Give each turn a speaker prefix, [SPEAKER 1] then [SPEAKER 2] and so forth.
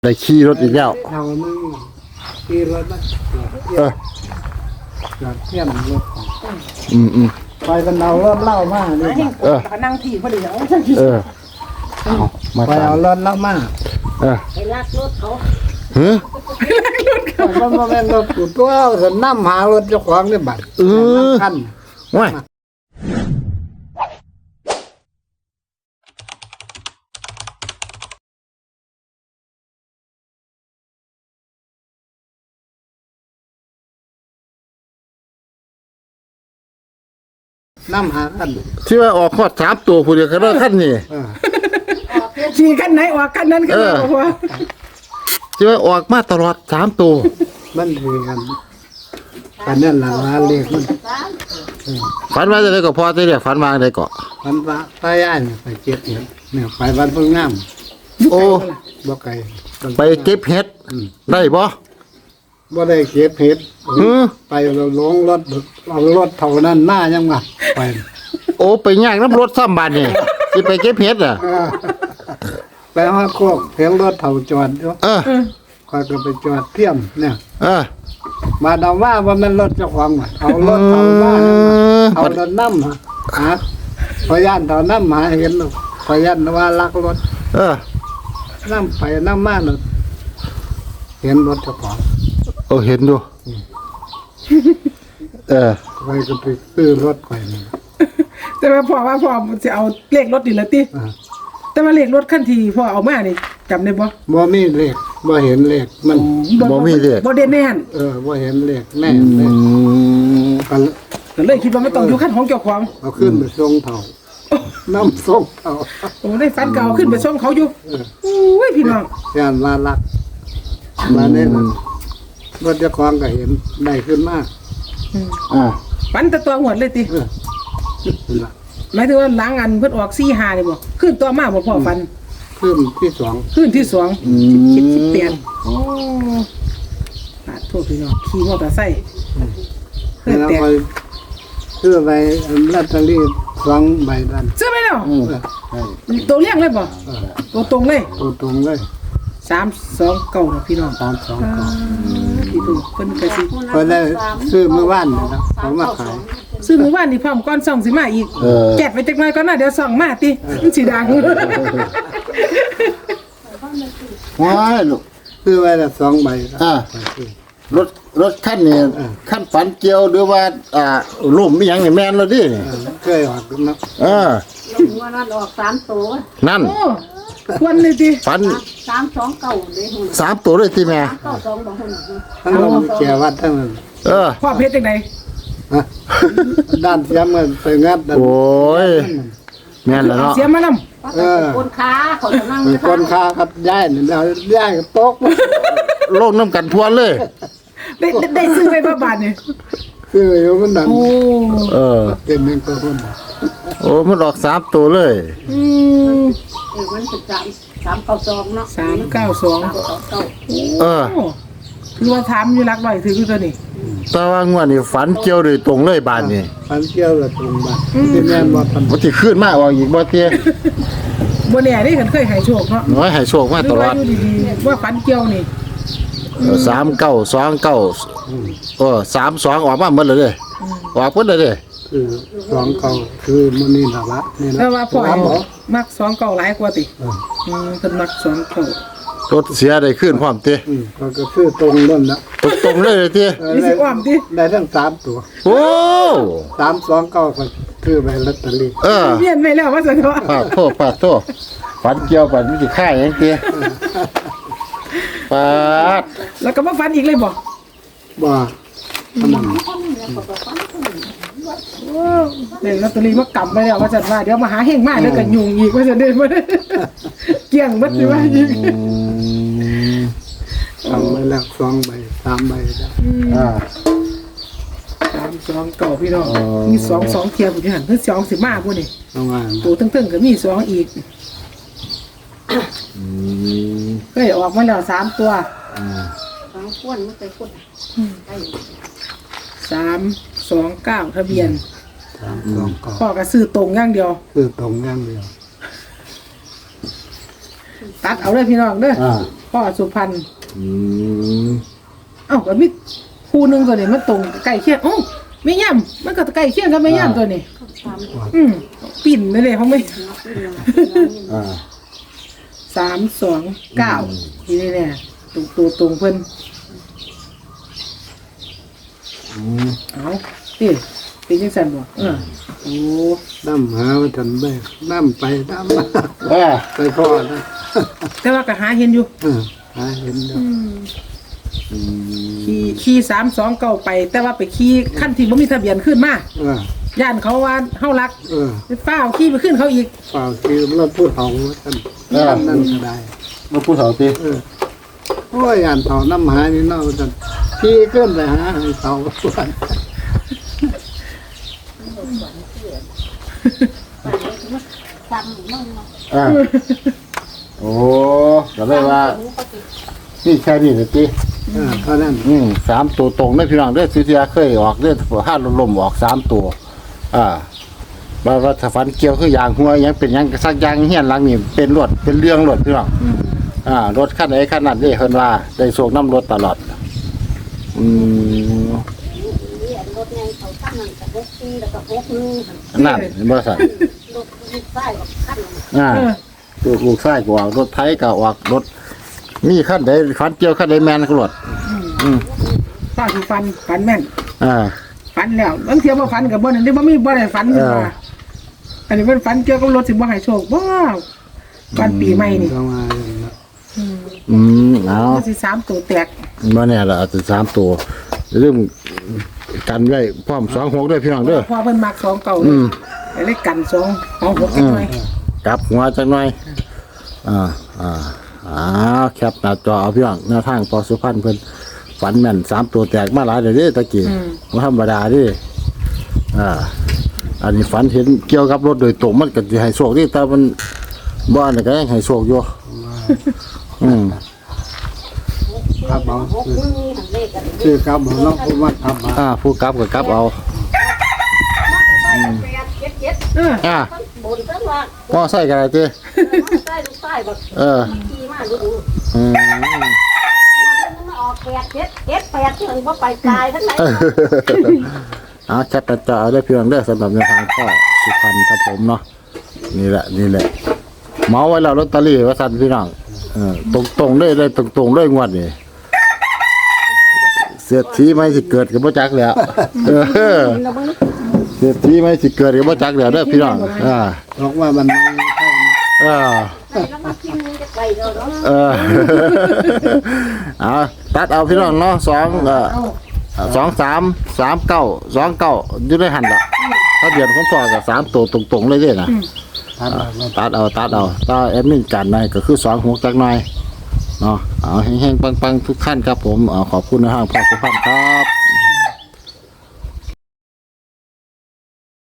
[SPEAKER 1] ได้ขี่รถอีกแล้ว
[SPEAKER 2] เท่านึงขี่รถนะจอดเทียมรถไปกันเอารถเล่ามาเนี่ย
[SPEAKER 3] นั่งที่พอดี
[SPEAKER 2] ไปเอารถเล่ามา
[SPEAKER 3] ไปลากรถเขา
[SPEAKER 2] มันมาแม่งรถกูตัวเอาน้ำหารถเจ้าของนี่บัดคัน
[SPEAKER 1] ว้าย
[SPEAKER 2] น้ำหาคัน
[SPEAKER 1] ที่ว่าออกขอด3ตัวผู้เดียวก็ได้คันนี่
[SPEAKER 3] ขี่คันไหนออกคันนั้นก็ได้ว่า
[SPEAKER 1] ที่ว่าออกมาตลอด3ตัว
[SPEAKER 2] มันคือกันนั่นล่ะว่าเลขมัน
[SPEAKER 1] ฝันว่าจะได้ก็พอได้เรียกฝันว่าได้ก็
[SPEAKER 2] ฝันว่าไปอ่านไปเก็บเห็ดเนี่ยไปบ้านเพิ่งงาม
[SPEAKER 1] โอ้
[SPEAKER 2] บ่ไกล
[SPEAKER 1] ไปเก็บเห็ดได้บ่
[SPEAKER 2] ได้เก็บเห็ดไปเราลงรถเอารถเท่านั้นหน้ายังมาไป
[SPEAKER 1] โอ้ไปย่างน้ำรถซ้ำบานนี่สิไปเก็บเห็ดอ่ะ
[SPEAKER 2] ไปหาโคกเห็นรถเท่าจอดอยู่คอยก็ไปจอดเทียมเนี่ยมาดาว่ามันรถเจ้าของเอารถเท่ามาเอารถน้ำหาพยานเท่าน้ำหาเห็นพยานว่าลักรถน้ำไปน้ำมาเเห็นรถเจ้าของ
[SPEAKER 1] เห็นดู
[SPEAKER 2] ไปก็ไปซื้อรถไป
[SPEAKER 3] แต่ว่าพ่อจะเอาเลขรถดิละติแต่ว่าเลขรถคันที่พ่อเอามานี่จำได้บ่
[SPEAKER 2] มีเลขบ่เห็นเลขมัน
[SPEAKER 1] บ่มีเลข
[SPEAKER 3] บ่เด่นแน่น
[SPEAKER 2] บ่เห็นเลขแน่เลย
[SPEAKER 3] ก็เลยคิดว่ามันต้องอยู่คันของเจ้าของ
[SPEAKER 2] เอาขึ้นไปส่งเท่าน้ำส่งเท่า
[SPEAKER 3] โอ้ได้ฟันเก่าขึ้นไปส่งเขาอยู่โอ้ยพี่น้อง
[SPEAKER 2] ย่านว่ารักมาเนี่ยรถเจ้าของก็เห็นได้ขึ้นมาก
[SPEAKER 3] ฟันตัวหวดเลยติหมายถึงว่าล้างอันเพิ่นออก4-5นี่บ่ขึ้นตัวมาบ่พ่อฟัน
[SPEAKER 2] ขึ้นที่2
[SPEAKER 3] ขึ้นที่2คิดเปลี่ยนโอ้โทษพี่น้องขี่มอเตอร์ไซค์
[SPEAKER 2] แล้วไปซื้อไปลอตเตอรี่2 ใบดัน
[SPEAKER 3] ซื้อไปแล้วตัวเลี้ยงเลยบ่ตัวตรงเลย
[SPEAKER 2] ตัวตรงเลย
[SPEAKER 3] 329นะพี่น้อง
[SPEAKER 2] 329
[SPEAKER 3] พี่ดูเพิ่นก็สิ
[SPEAKER 2] เพิ่นได้ซื้อเมื่อวานนะเขามาขาย
[SPEAKER 3] ซื้อมื้อวานนี่พร้อมก่อนส่องสิมาอีกแกะไปจักหน่อยก่อนนะเดี๋ยวส่องมาติมันสิดัง
[SPEAKER 1] ว้ายลูก
[SPEAKER 2] ซื้อไว้ละ2 ใบ
[SPEAKER 1] รถคันนี้คันฝันเกี่ยวหรือว่าล่มอีหยังนี่แม่นแล้วดิ
[SPEAKER 2] เคยออกเนาะ
[SPEAKER 3] ว่านั้นออก3ตัว
[SPEAKER 1] นั่น
[SPEAKER 3] ควรเลยติ
[SPEAKER 1] ฝัน
[SPEAKER 3] 329เด้หุ่น
[SPEAKER 1] 3ตัวเลยติแม่
[SPEAKER 3] 92บ่หุ่น
[SPEAKER 2] ทั้งแก่วัดทั้งนั้น
[SPEAKER 3] พ่อเพชรจังได๋
[SPEAKER 2] ด้านเสียมมันไปงัด
[SPEAKER 1] โอ้ยแม่นแล้วเนาะ
[SPEAKER 3] เสียมานำคนค้าเขาจะนั่ง
[SPEAKER 2] คนค้าครับย้ายนี่แล้วย้ายตก
[SPEAKER 1] ลงน้ำกันทวนเลย
[SPEAKER 3] ได้ซื้อไปบ่บาทนี่
[SPEAKER 2] ซื้ออยู่มันนั่นเป็นนึงก็คน
[SPEAKER 1] โอ้มันออก3ตัวเลย
[SPEAKER 3] มันจะ392เนาะ392คือว่าถามอยู่รักบ่อยถือตัวนี้
[SPEAKER 1] แต่ว่างวดนี้ฝันเกี่ยวโดยตรงเลยบาดนี้
[SPEAKER 2] ฝันเกี่ยวเลยตรงบาดสิแม่นบ่ทัน
[SPEAKER 1] บ่สิขึ้นมาออกอีกบ่เตี้ย
[SPEAKER 3] บ่แน่นี่คันเคยให้โชคเนาะ
[SPEAKER 1] น้อยให้โชคมาตลอด
[SPEAKER 3] ว่าฝันเกี่ยวนี่
[SPEAKER 1] 3929 32ออกมาหมดเลยเด้ออกหมดเลยเด้
[SPEAKER 2] คือ29คือมื้อนี้น่ะละนี่ล่ะ
[SPEAKER 3] แต่ว่าพ่อมัก29หลายกว่าติเพิ่นมัก29
[SPEAKER 1] รถเสียได้ขึ้นพร้อมติ
[SPEAKER 2] ก็คือตรงนั่นนะ
[SPEAKER 1] ตรงเลยติ
[SPEAKER 3] มีสิอ้อมติ
[SPEAKER 2] ได้ทั้ง3ตัว
[SPEAKER 1] โอ้
[SPEAKER 2] 329ก็คือใบลอตเตอรี่
[SPEAKER 3] เปลี่ยนไปแล้วว่าซั่นเนาะ
[SPEAKER 1] ปาดโทษฝันเกี่ยวฝันสิค่ายหยังติปาด
[SPEAKER 3] แล้วก็บ่ฝันอีกเลยบ่เนี่ยลอตเตอรี่มากำไปแล้วว่าซั่นว่าเดี๋ยวมาหาเฮงมาแล้วก็ยุ่งอีกว่าซั่นเด้บ่เกี่ยงหมดสิว่าอีก
[SPEAKER 2] เอาไว้แล้ว2 ใบ 3 ใบแล้ว
[SPEAKER 3] 329พี่น้องมี2เทียบอยู่หั่นเพิ่น2สิมาบ่นี่ตัวตึ้งๆก็มี2อีกเคยออกมาแล้ว3ตัว2คนมันเคยคน329ทะเบียนพ่อก็ซื้อตรงอย่างเดียว
[SPEAKER 2] ซื้อตรงอย่างเดียว
[SPEAKER 3] ตัดเอาเลยพี่น้องเด้อ
[SPEAKER 1] อ่า
[SPEAKER 3] พ่อสุพรรณ
[SPEAKER 1] อืม
[SPEAKER 3] เอ้าก็มีคู่หนึงตัวนี้มันตรงใกล้เคียงโอ้ไม่ย่ำมันก็ใกล้เคียงกับไม่ย่ำตัวนี้ปิ่นเลยเขาไม่
[SPEAKER 1] อ่า
[SPEAKER 3] 329นี่เนี่ยตรงเพิ่น เอาติเป็นจังซั่นบ่โอ้
[SPEAKER 2] น้ำหาว่าฉันไปน้ำไปน้ำมา
[SPEAKER 1] อ่า
[SPEAKER 2] ไปพ่อนะ
[SPEAKER 3] แต่ว่าก็หาเห็นอยู่
[SPEAKER 2] หาเห็นแล้ว
[SPEAKER 3] ขี่329ไป แต่ว่าไปขี่คันที่บ่มีทะเบียนขึ้นมา ย่านเขาว่าเฮารักไปฟ้าวขี่ไปขึ้นเขาอีก
[SPEAKER 2] เปล่าคือเราพูดเถาท่านนั่นก็ได้
[SPEAKER 1] มาพูดเถาสิ
[SPEAKER 2] โอ้ยอ่านเถาน้ำหานี่เนาะท่านที่ขึ้นไปหาให้เถาส่วน
[SPEAKER 1] อ่าโอ้ก็เลยว่านี่แค่นี้นะจี
[SPEAKER 2] เพราะนั้น
[SPEAKER 1] 3 ตัวตรงได้พี่น้องเด้อสิเทียเคยออกเด้อห้าลมออก3 ตัวว่าถ้าฟันเกี่ยวคืออย่างหัวยังเป็นยังสักอย่างเฮียนหลังนี่เป็นรถเป็นเรื่องรถพี่น้องรถคันไหนคันนั้นเด้เพิ่นว่าได้โชคน้ำรถตลอด
[SPEAKER 4] รถไงเขาขั้นนั่นกับรถซีแล้วก็รถนึง
[SPEAKER 1] นั่นเห็นบ่ซั่น
[SPEAKER 4] รถลูกใต้กับขั้น
[SPEAKER 1] ลูกชายก็ออกรถไถก็ออกรถมีคันใดฟันเกี่ยวคันใดแม่นก็รถ
[SPEAKER 3] ป้าสิฟันแม่น
[SPEAKER 1] อ่า
[SPEAKER 3] ฟันแล้วบางเที่ยบ่ฟันก็บ่นั่นได้บ่มีบ่ได้ฟันขึ้นมาอันนี้มันฟันเกี่ยวกับรถสิบ่ให้โชคบ่ฟันปีใหม่นี่
[SPEAKER 2] ก็มา
[SPEAKER 1] เอา
[SPEAKER 3] มันสิ3ตัวแตก
[SPEAKER 1] บ่แน่ล่ะอาจจะ3 ตัวเรื่องกันไว้พร้อม26ด้วยพี่น้องเด้อ
[SPEAKER 3] พอเพิ่นมัก2เก่าเลยกัน2เอา6จักหน่อย
[SPEAKER 1] กลับหัวจักหน่อยแคปหน้าจอเอาพี่น้องหน้าทางพอสุพรรณเพิ่นฝันแม่น3 ตัวแตกมาหลายเด้อตะกี้บ่ธรรมดาเด้อันนี้ฝันเห็นเกี่ยวกับรถโดยตรงมันก็สิให้โชคดิแต่มันบ่อันนั้นก็ยังให้โชคอยู่
[SPEAKER 2] ครับเอา
[SPEAKER 4] รถนึงทางเลขกัน
[SPEAKER 2] คือครับเอาเนาะเพราะว่าทำมา
[SPEAKER 1] ผู้กลับก็กลับเอา
[SPEAKER 3] เออ
[SPEAKER 4] บนตั้งว่า
[SPEAKER 1] พอใส่กันได้ติ
[SPEAKER 4] ใต้ลูกใต้แบบ ขี่มาดู มาออก8 ที่มันว่าไปตายทั้งไหน
[SPEAKER 1] แคปหน้าจอเอาได้เพียงเด้อสำหรับแนวทางพ่อสุพรรณครับผมเนาะนี่แหละเมาไว้แล้วลอตเตอรี่ว่าซั่นพี่น้องตรงๆเลยตรงๆเลยงวดนี่เศรษฐีไม่สิเกิดกับบ่จักแล้วเศรษฐีไม่สิเกิดกับบ่จักแล้วเด้อพี่น้อง
[SPEAKER 2] บอกว่ามันไม่เข้านะ
[SPEAKER 4] แล้วมากินจะไปเนาะ
[SPEAKER 1] ตัดเอาพี่น้องเนาะ2-3-3-9-2-9อยู่ในหันละถ้าเดือนของพ่อกับ3 ตัวตรงๆเลยเด้นะตัดเอาถ้าแอดมินกันได้ก็คือ26จักหน่อยเนาะเอาแห้งๆปังๆทุกท่านครับผมขอบคุณนะฮะพ่อสุพรรณครับ